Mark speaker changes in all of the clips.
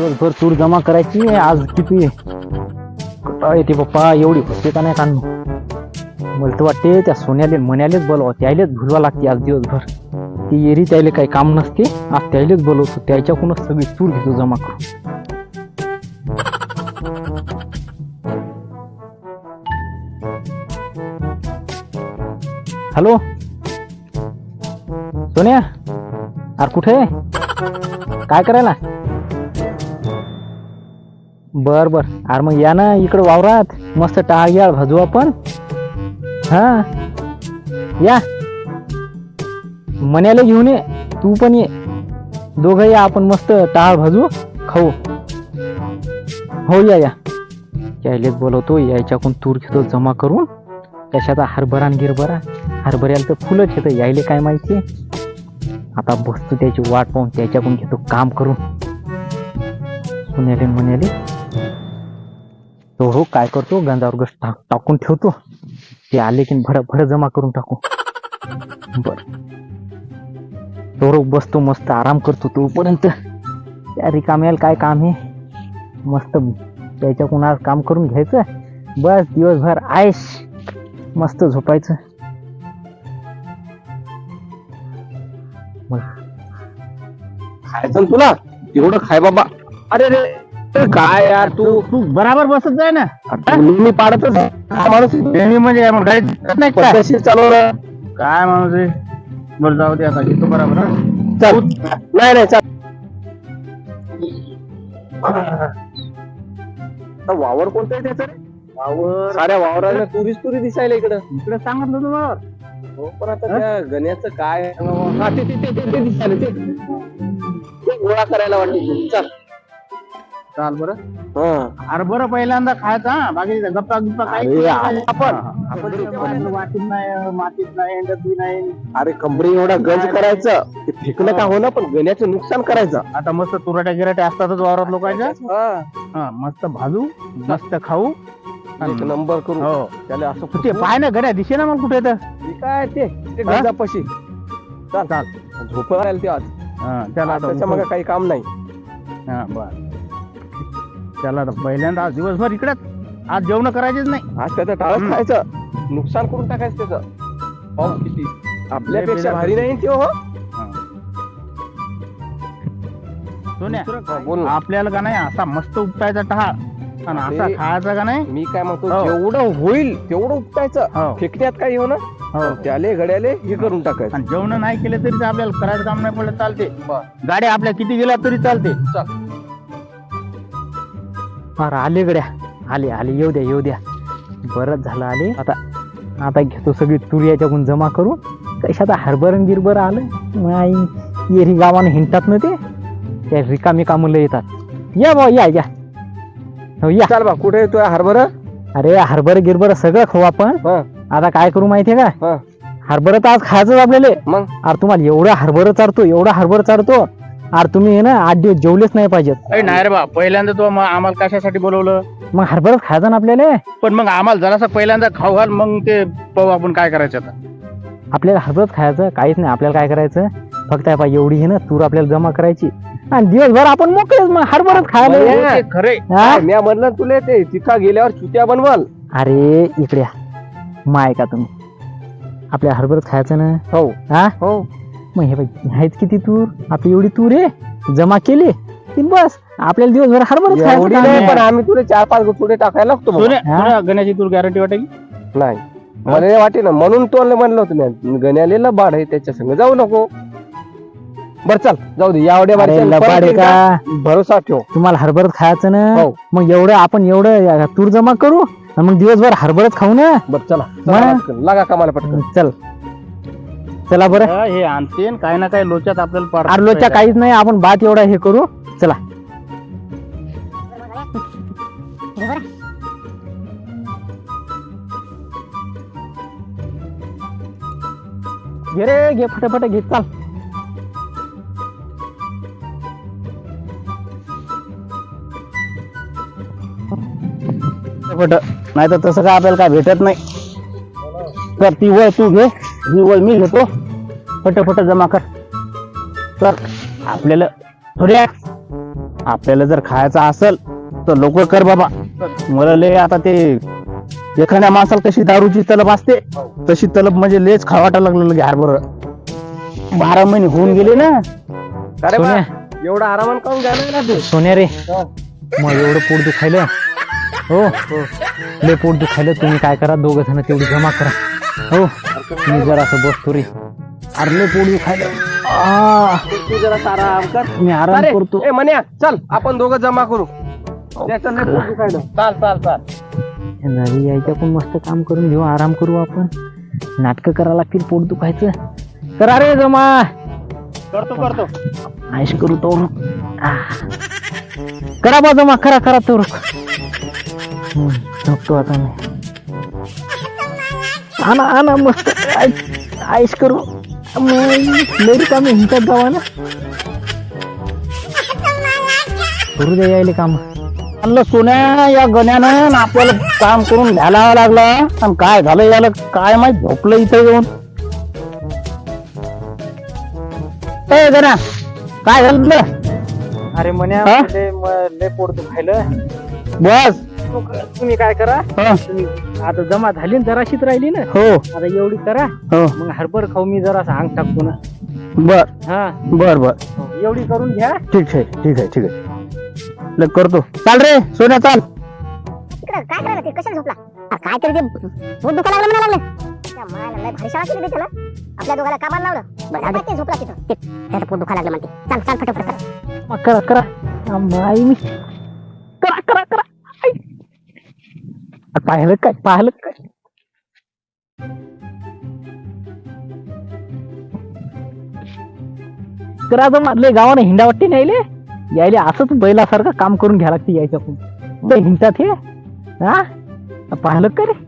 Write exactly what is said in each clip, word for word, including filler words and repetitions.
Speaker 1: दिवसभर तूर जमा करायची. आज किती कुठं येते पप्पा, एवढी होते का नाही काढणं. मला तर वाटते त्या सोन्याले मन्यालेच बोलवा, त्यालेच भुलवा लागते आज दिवसभर. ती एरी त्याले काही काम नसते, आज त्यालेच बोलवतो, त्याच्याकडूनच सगळी तूर घेतो जमा करून. हॅलो सोन्या, अरे कुठे आहे, काय करायला? बर बर, अरे मग या ना इकडं वावरात, मस्त टाळ याळ भाजू आपण. हा या, मन्याला घेऊन ये, तू पण ये, दोघं या, आपण मस्त टाळ भाजू खाऊ. हो या या, यायलेच बोलवतो, यायच्याकडून तूर घेतो जमा करून. कशाचा हरभरा न गिरभरा, हरभऱ्याला तर फुलंच येतं, यायले काय माहिती. आता बसतो त्याची वाट पाहून, त्याच्याकडून घेतो काम करून. सुन्याले म्हणाले तो हो काय करतो, गंजावर गस टाक टाकून ठेवतो, ते आले की भर भर जमा करून टाकू. बर तो बसतो, मस्त आराम करतो तोपर्यंत. त्या रिकाम्याला काय काम आहे, मस्त त्याच्याकडून आज काम करून घ्यायचं, बस दिवसभर आयश मस्त झोपायचं.
Speaker 2: खायचं तुला एवढं खाय बाबा. अरे रे काय यार, तू
Speaker 1: तू बराबर बसत जाय ना.
Speaker 2: नेहमी पाडतच हा माणूस
Speaker 1: नेहमी म्हणजे गाडी नाही का?
Speaker 2: पद्धतशीर चालवलं
Speaker 1: काय माणूस आहे. बरं जाऊ दे, आता घेतो बराबर.
Speaker 2: चल. नाही नाही चल. वावर कोणतं आहे त्याचं रे?
Speaker 1: वावर
Speaker 2: साऱ्या वावराला तुरीच तुरी दिसायला इकडं.
Speaker 1: इकडे सांगितलं तुम्हाला.
Speaker 2: हो पण आता त्या गण्याचं काय, हा ते ते ते ते दिसायला ते ते गोळा करायला वाटते. चल
Speaker 1: चाल बरं.
Speaker 2: हा
Speaker 1: अरे बरं पहिल्यांदा खायचा, बाकी गप्पा गप्पा काय
Speaker 2: अरे आपण
Speaker 1: आपण वाटीत नाही, मातीत नाही, अंड्यात नाही.
Speaker 2: अरे कंबरी एवढा गंज करायचं, ते फेकलं का हो ना, पण गण्याचं नुकसान करायचं.
Speaker 1: आता मस्त तुराट्या गिराट्या असतातच वावरात लोकांच्या. हा मस्त भाजू, मस्त खाऊ,
Speaker 2: एक नंबर करू.
Speaker 1: हो
Speaker 2: त्याला असं
Speaker 1: ते पाय ना गड्या दिसे ना मग कुठे तर.
Speaker 2: काय ते ते गंजापाशी. चाल चाल झोप राहील ते आज.
Speaker 1: हा त्याला आता
Speaker 2: त्याच्या मग काही काम नाही.
Speaker 1: हा बर, त्याला आता पहिल्यांदा आज दिवसभर इकडेच, आज जेवण करायचेच नाही.
Speaker 2: आज त्याचं टाळच खायचं, नुकसान करून टाकायचं त्याचं. पाहू किती आपल्यापेक्षा भारी नाही ते. हो
Speaker 1: सोन्या,
Speaker 2: बोल ना.
Speaker 1: आपल्याला का नाही असा मस्त उपटायचा टहाळ, आणि असा
Speaker 2: अरे,
Speaker 1: खायचा का नाही.
Speaker 2: मी काय म्हणतो,
Speaker 1: हो.
Speaker 2: जेवढं होईल तेवढं उपटायचं.
Speaker 1: हो.
Speaker 2: फेकण्यात काही हो ना,
Speaker 1: हो.
Speaker 2: त्याले घड्याले हे करून टाकायचं.
Speaker 1: आणि जेवण नाही केलं तरी ते आपल्याला करायचं काम नाही पडलं चालते. गाड्या आपल्या किती गेल्या तरी चालते. अरे आले गड्या, आले आले, येऊ द्या येऊ द्या, बरंच झालं आले. आता आता घेतो सगळी तूर याच्याकडून जमा करू. कशात हरभरण गिरभर आलं, येरी गावाने हिंडतात ना ते, त्या रिकामी कामुलं येतात. या बा या या, हो या.
Speaker 2: चाल बा, कुठे येतोय हरभरा?
Speaker 1: अरे हरभर गिरभर सगळं खाऊ आपण. आता काय करू माहितीये का, हरभरा तर आज खायचंच आपल्याला.
Speaker 2: मग
Speaker 1: अरे तुम्हाला एवढा हरभरा चारतो, एवढा हरभरा चारतो, अरे तुम्ही ना आठ दिवस जेवलेच नाही पाहिजेत.
Speaker 3: नाही रे बा, पहिल्यांदा तू आम्हाला कशासाठी बोलवलं?
Speaker 1: मग हरभराच खायचा ना आपल्याला.
Speaker 3: पण मग आम्हाला जरासा पहिल्यांदा खाऊ घाल, मग ते पाहू आपण काय करायचं आता.
Speaker 1: आपल्याला हरभराच खायचं, काहीच नाही. आपल्याला काय करायचं, फक्त आहे पाहिजे एवढी हे ना तूर आपल्याला जमा करायची, आणि दिवसभर आपण मोकळेच मग हरभराच खायला.
Speaker 3: खरे
Speaker 2: मी म्हणलं तुला ते तिथं गेल्यावर चुत्या बनवाल.
Speaker 1: अरे इकडे या, माय का तुम्ही, आपल्या हरभराच खायचं ना.
Speaker 2: हो
Speaker 1: हा
Speaker 2: हो.
Speaker 1: मग हे पाहिजे आहेच किती तूर, आपली एवढी तूर आहे जमा केली की बस आपल्याला दिवसभर हरभराच
Speaker 2: एवढी
Speaker 1: खायचं.
Speaker 2: नाही, पण आम्ही तुला चार पाच थोडे टाकायला लागतो.
Speaker 3: सोन्या, तुला गण्याची तूर गॅरंटी वाटेल?
Speaker 2: नाही मला वाटे ना, म्हणून तो म्हणलं होतं मी, गण्याला बाड आहे त्याच्या संग जाऊ नको. बर चल जाऊ दे, एवढ्या
Speaker 1: अरे लबाड आहे का,
Speaker 2: भरोसा ठेव.
Speaker 1: तुम्हाला हरभराच खायचं ना.
Speaker 2: हो.
Speaker 1: मग एवढं आपण एवढं तूर जमा करू, आणि मग दिवसभर हरभराच खाऊ ना.
Speaker 2: बर चला
Speaker 1: मग?
Speaker 2: चला पटकन, लागा कामाला पटकन.
Speaker 1: चल चला बरं.
Speaker 3: हे आणते काही ना काही लोच्यात आपल्याला पाड-
Speaker 1: आरलोच्या काहीच नाही, आपण बात एवढा हे करू. चला घे रे, घे फटाफट घे, चाल. नाही तर तसं काय आपल्याला काय भेटत नाही. तर ती वळ तू घे, ही वळ मी घेतो, फटाफट जमा कर. तर आपल्याला थोड्या आपल्याला जर खायचं असेल तर लोक कर बाबा. मला लय आता ते एखाद्या माणसाला कशी दारूची तलब असते तशी तलब म्हणजे लेच खावाटा लागलं घ्यार बरं. बारा महिने होऊन गेले ना.
Speaker 2: अरे बा,
Speaker 1: सोन्या
Speaker 2: एवढा आरामान काऊन घ्यायला ना तू?
Speaker 1: सोन्या रे, मग एवढं पोट दुखायलं. हो लय पोट दुखायलं. तुम्ही काय करा, दोघं जण तेवढी जमा करा. हो मी जरा असं बसतो रे. अरे लय पोट दुखायलं. आ,
Speaker 2: तू जरा आराम कर.
Speaker 1: मी आराम
Speaker 2: अरे,
Speaker 1: करतो.
Speaker 2: ए मन्या चल आपण दोघं जमा करू. त्याचं लय पोट दुखायलं. चाल चाल चाल.
Speaker 1: नवी यायच्या पण मस्त काम करून घेऊ, आराम करू आपण. नाटक करा लागतील पोट दुखायचं. करा रे जमा.
Speaker 3: करतो करतो.
Speaker 1: आयश करू तो. करा बा जमा, करा करा तो. झोपतो आता मी. आणा आणा मस्त आयश आयश करू. लेडी काम हिंतात जावा ना. करू दे यायले काम. म्हणलं सोन्या या गण्यानं आपल्याला काम करून घ्यायला लागलं आणि काय झालं याला काय माहित. झोपलं इथं येऊन. ए गण्या काय झालं तुला?
Speaker 3: अरे म्हण्या
Speaker 1: हा?
Speaker 3: लय म- लय पोट दुखायलं.
Speaker 1: बस.
Speaker 3: तुम्ही काय करा,
Speaker 1: हा.
Speaker 3: तुम्ही आता जमा झाली ना, जराशीच राहिली ना,
Speaker 1: हो
Speaker 3: आता एवढी करा.
Speaker 1: हो
Speaker 3: मग हरभर खाऊ मी जरा अंग टाकतो ना.
Speaker 1: बर
Speaker 3: हा
Speaker 1: बर बर
Speaker 3: हो, एवढी करून घ्या.
Speaker 1: ठीक आहे ठीक आहे ठीक आहे. लग करतो. चाल रे सोन्या चाल.
Speaker 4: तिकडं काय करायला ते कशाला झोपला? अरे काय तरी ते पोट दुखायला लागलं म्हणा लागले. त्या मायाला लय भारी शाळा केली बे त्याला. आपल्या दोघाला कामाला लावलं. बरं आता ते झोपला तिथं. ते- त्याचं पोट दुखायला लागलं म्हणते. चाल चाल फटाफट कर.
Speaker 1: मग करा करा. आई मी करा करा करा. आई. अरे पाहिलं काय पाहिलं काय. करा तर मारले गावाने हिंडा वाटते नाही यायले असंच बैलासारखं काम करून घ्या लागते यायच्याकडून. ते हिंडतात हे. हा पाहिलं का रे.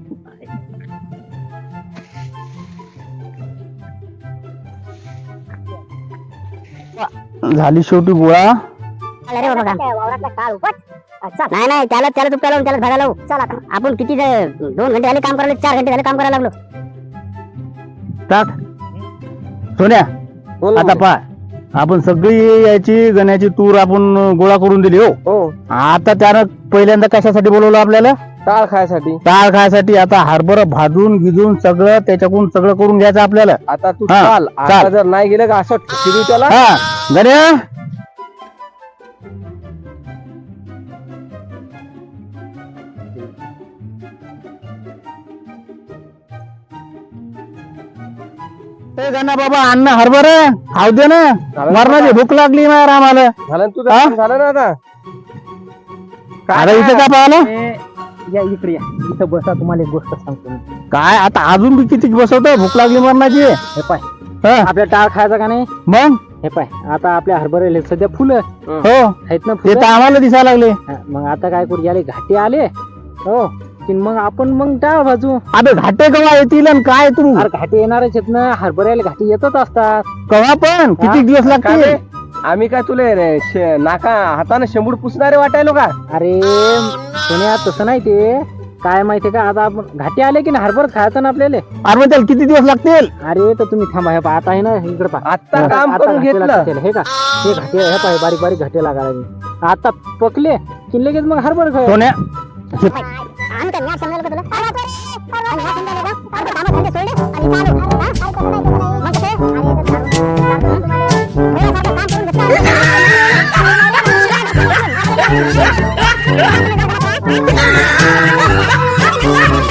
Speaker 1: झाली शेवटी गोळा.
Speaker 4: चल रे बाबा काम. वावरातला काळ उपट. चल. नाही नाही त्याला त्याला तू त्याला त्याला भागा लावू. चल आता आपण किती जे- दोन घंटे झाले काम करायला, चार घंटे झाले काम करायला लागलो.
Speaker 1: टाक सोन्या.
Speaker 2: बोल ना
Speaker 1: आता
Speaker 2: मन्या.
Speaker 1: पा आपण सगळी याची गण्याची तूर आपण गोळा करून दिली. हो
Speaker 2: हो
Speaker 1: आता त्यानं पहिल्यांदा कशासाठी बोलवलं आपल्याला.
Speaker 2: टाळ खायसाठी.
Speaker 1: डाळ खायसाठी. आता हरभरा भाजून गिजून सगळं त्याच्याकडून सगळं करून घ्यायचं आपल्याला.
Speaker 2: आता तू
Speaker 1: हा,
Speaker 2: चाल. आता
Speaker 1: चाल.
Speaker 2: जर नाही गेलं का असं ठिकरी त्याला.
Speaker 1: हा गण्या ए गण्या बाबा अन्न हरभरा खाऊ दे ना. मरणाची भूक लागली ना आम्हाला.
Speaker 2: झालं ना तुझं
Speaker 1: हा?
Speaker 2: काम झालं ना आता.
Speaker 1: आता इथं का पाहिलं
Speaker 3: ए, या इकडे या. इथं बसा, तुम्हाला एक गोष्ट सांगतो मी.
Speaker 1: काय आता अजून बी किती बसवतो. भूक लागली मरणाची.
Speaker 3: हे पाय,
Speaker 1: हा,
Speaker 3: आपल्या टाळ खायचा का नाही.
Speaker 1: मग
Speaker 3: हे पाय, आता आपल्या हरभऱ्याला सध्या फुलं
Speaker 1: हो
Speaker 3: आहेत ना,
Speaker 1: ते
Speaker 3: फुलं.
Speaker 1: तर आम्हाला दिसायला लागले.
Speaker 3: हा, मग आता काय करू, याले घाटे आले. हो की मग आपण मग टाळ भाजू.
Speaker 1: अबे घाटे कवा येतील आणि काय तू
Speaker 3: अरे घाटे येणारच आहेत ना, हरभऱ्याला घाटे येतच असतात.
Speaker 1: कवा पण किती दिवस
Speaker 2: काय
Speaker 1: लागतील.
Speaker 2: रे? आम्ही काय तुले रे शे- नाका हाताने शेंबूड पुसणारे वाटायलो का?
Speaker 3: अरे सोन्या तसं नाही, ते काय माहितीये का, आता आपण घाटे आले की नाही हरभर खायचं ना आपल्याला.
Speaker 1: अरे मग त्याला किती दिवस लागतील.
Speaker 3: अरे तर तुम्ही थांबा, हे पहा, आता आहे ना इकडे पहा.
Speaker 2: आता काम
Speaker 3: आता
Speaker 2: करून
Speaker 3: घाटे
Speaker 2: घेतलं.
Speaker 3: लागतील, हे का, हे घाटे, हे पाय बारीक बारीक घाटे लागायला लागले. आता पकले की लगेच मग हरभर खाय.
Speaker 1: सोन्या
Speaker 4: आम्ही काय मॅच समजायला का तुला? अरे बापरे. अरे मॅच समजायला का? अरे कामं धंदे सोडले आणि चालू. हा? काय करतो नाही, करतो नाही. मग कसं? अरे तर चालू. वेळासारखं काम करून घेतलं.